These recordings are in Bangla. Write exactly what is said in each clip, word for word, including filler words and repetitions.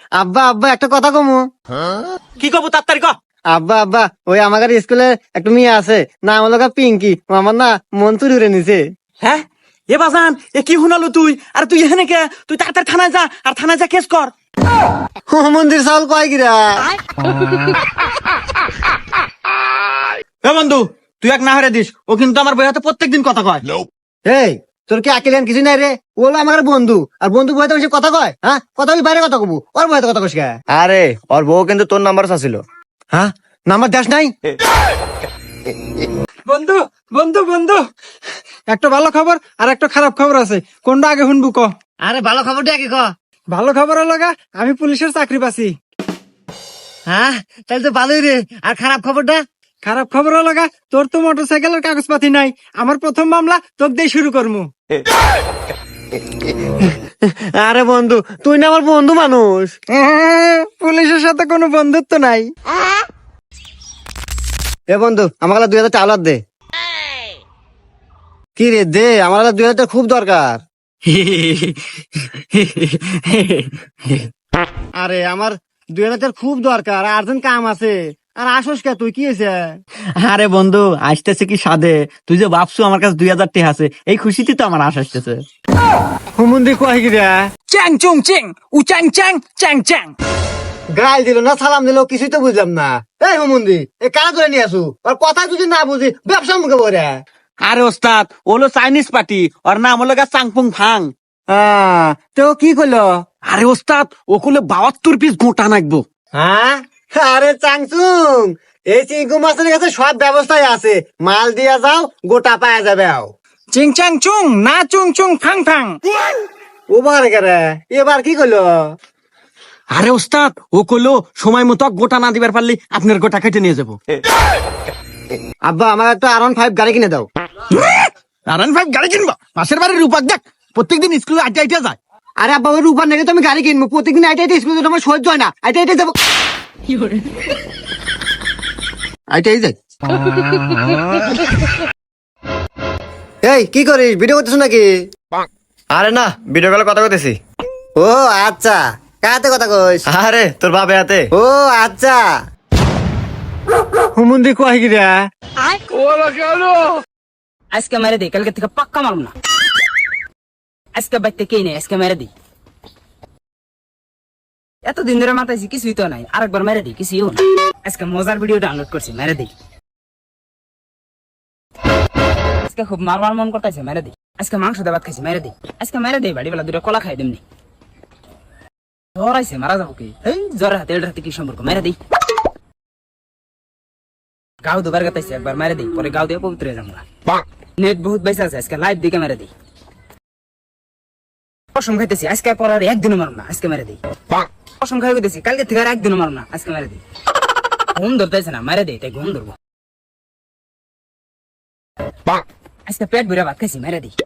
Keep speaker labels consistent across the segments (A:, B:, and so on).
A: আব্বা আব্বা একটা কথা কমু।
B: কি কব তাড়াতাড়ি ক।
A: আব্বা আব্বা ওই আমাদের স্কুলে একটা মেয়ে আছে, নাম হলো গা পিঙ্কি। ও আমার না মন চুরি করে নিছে।
B: হ্যাঁ এ বাজান এ কি শুনালো তুই? আর তুই এখানে কে? তুই তাড়াতাড়ি থানায় যা, আর থানায় যা কেস কর।
A: ও মন্দির চাউল কয় কিরা?
B: এ বন্ধু তুই এক না হারে দিস, ও কিন্তু আমার বইয়াতে প্রত্যেকদিন কথা কয়।
A: এই তোর কি আকিলেন কিছু নাই রে? ও হলো আমার বন্ধু, আর বন্ধু বইতে বেশি কথা কয়? হ্যাঁ কথা বলি বাইরে কথা কবু, ওর বইতে কথা কস কে?
C: আরে ওর বউ কিন্তু তোর নাম্বার চাচ্ছিল।
A: হ্যাঁ নাম্বার দেশ নাই?
D: বন্ধু বন্ধু বন্ধু একটা ভালো খবর আর একটা খারাপ খবর আছে, কোনটা আগে শুনবো ক?
A: আরে ভালো খবরটা কি ক?
D: ভালো খবর হলো গা, আমি পুলিশের চাকরি পাচ্ছি।
A: হ্যাঁ তাহলে তো ভালোই রে। আর খারাপ খবরটা?
D: খারাপ খবর হলো গা, তোর তো মোটর সাইকেলের কাগজপাতি নাই। আমার প্রথম মামলা তোকে দিয়ে শুরু করবো।
A: আরে বন্ধু তুই না আমার বন্ধু মানুষ।
D: পুলিশের সাথে কোনো বন্ধুত্ব নাই।
A: এ বন্ধু আমার দুই হাজার টাকা দে। কি রে দে, আমার দুই হাজার টাকা খুব দরকার। আরে আমার দুই হাজার টাকা খুব দরকার, আর্জেন্ট কাম আছে। আর আসোস কে তুই? কি হয়েছে?
B: আরে বন্ধু আসতেছে কি সাদে, তুই যে ভাবছু আমার কাছে দুই হাজার টাকা আছে, এই খুশিতে তো আমার আশ আসতেছে।
A: হুমুন্দি কয় কি রে?
B: চ্যাং চুং চিং উ চ্যাং চ্যাং চ্যাং চ্যাং।
A: গাল দিল না সালাম দিল, কিছুই তো বুঝলাম না। এই হুমুন্দি এ কারা করে নিয়ে আসু? আর কথা যদি না বুঝি ব্যবসা মুখে বলে।
B: আরে ওস্তাদ ওলো চাইনিজ পার্টি, ওর নাম হলো গা চাংপুং ফাং।
A: হ্যাঁ তো কি করলো?
B: আরে ওস্তাদ ও করলে বাহাত্তর পিস গোটা নাকবো।
A: হ্যাঁ আরে চাংচুং, এই চিংকু মাছের কাছে সব ব্যবস্থাই আছে, মাল দিয়া যাও গোটা পাওয়া যাবে।
D: চিং চাং চুং না চুং চুং ফাং ফাং।
A: ওবার কেরে এবার কি করলো?
B: আরে ওস্তাদ ও করলো সময় মতো গোটা না দিবার পারলে আপনার গোটা কেটে নিয়ে যাবো।
A: আব্বা আমার একটা আর ওয়ান ফাইভ গাড়ি কিনে দাও।
B: আর ওয়ান ফাইভ গাড়ি কিনবো? পাশের বাড়ির রূপাক দেখ প্রত্যেকদিন স্কুলে আইটা আইটা যায়।
A: আরে আব্বা ওই রূপার নাকি তো আমি গাড়ি কিনবো, প্রতিদিন আইটা আইটা স্কুলে আমার সহ্য হয় না, আইটা আইটা যাবো। আইটাই যাই। এই কি করিস, ভিডিও করতেছ নাকি?
C: আরে না, ভিডিও কলে কথা কইতেছি।
A: ও আচ্ছা, কাতে কথা কইস?
C: আরে তোর বাপে হাতে।
A: ও আচ্ছা। হুমুন্দি কয় কি রে?
E: আজকে মেরে দিই, কালকে থেকে পাক্কা মারুম না। আজকে বাইতে কে নেই, আজকে মেরে দিই। এতদিন ধরে মাথাইছি কিছুই তো নাই, আরেকবার মেরে দিই, কিছুই না। আজকে মজার ভিডিও ডাউনলোড করছি, মেরে দিই। আজকে খুব মারবার মন করতেছে, মেরে দিই। আজকে মাংস দিয়ে ভাত খাইছি, মেরে দিই। আজকে মেরে দিই, বাড়ি বেলা দুটো কলা খাই দেমনি। জ্বর আইছে, মারা যাবো কি? এই জ্বরের হাতে এটার হাতে কি সম্পর্ক? মেরে দিই। গাও দুবার গাতাইছে, একবার মেরে দিই, পরে গাও দিয়ে পবিত্র হয়ে যাবো। নেট বহুত বেঁচে আছে, আজকে লাইভ দিকে মেরে দিই। কসম খাইতেছি আজকে পর আর একদিনও মারব না, আজকে মেরে দিই। কসম খাই গেছি কালকে থেকে আর একদিনও মারব না, আজকে মেরে দিই। ঘুম ধরতেছে না, মেরে দিই, তাই ঘুম ধরবো। আজকে পেট ভরে ভাত খাইছি, মেরে দিই।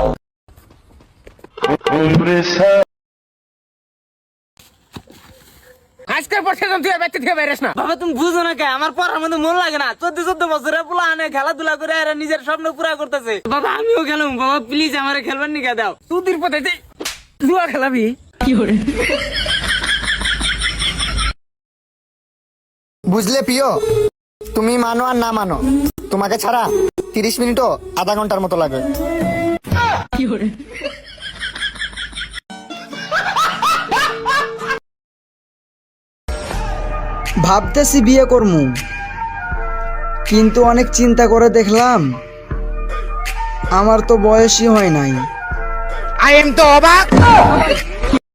D: আজকের পর সেজন তুই বাইতে থেকে বেরোস না।
E: বাবা তুমি বুঝো না কে, আমার পড়ার মধ্যে মন লাগে না। চোদ্দ চোদ্দ বছরে পোলা আনে খেলাধুলা করে এরা নিজের স্বপ্ন পুরা করতেছে। বাবা আমিও খেলাম, বাবা প্লিজ আমারে খেলবার নিকে দাও।
D: তুদির পথে জুয়া খেলাবি?
F: বুঝলে প্রিয়, তুমি মানো আর না মানো, তোমাকে ছাড়া তিরিশ মিনিটও আধা ঘন্টার মতো লাগে। ভাবতেছি বিয়ে করমু, কিন্তু অনেক চিন্তা করে দেখলাম আমার তো বয়সই হয় নাই।
D: আই এম তো অবাক।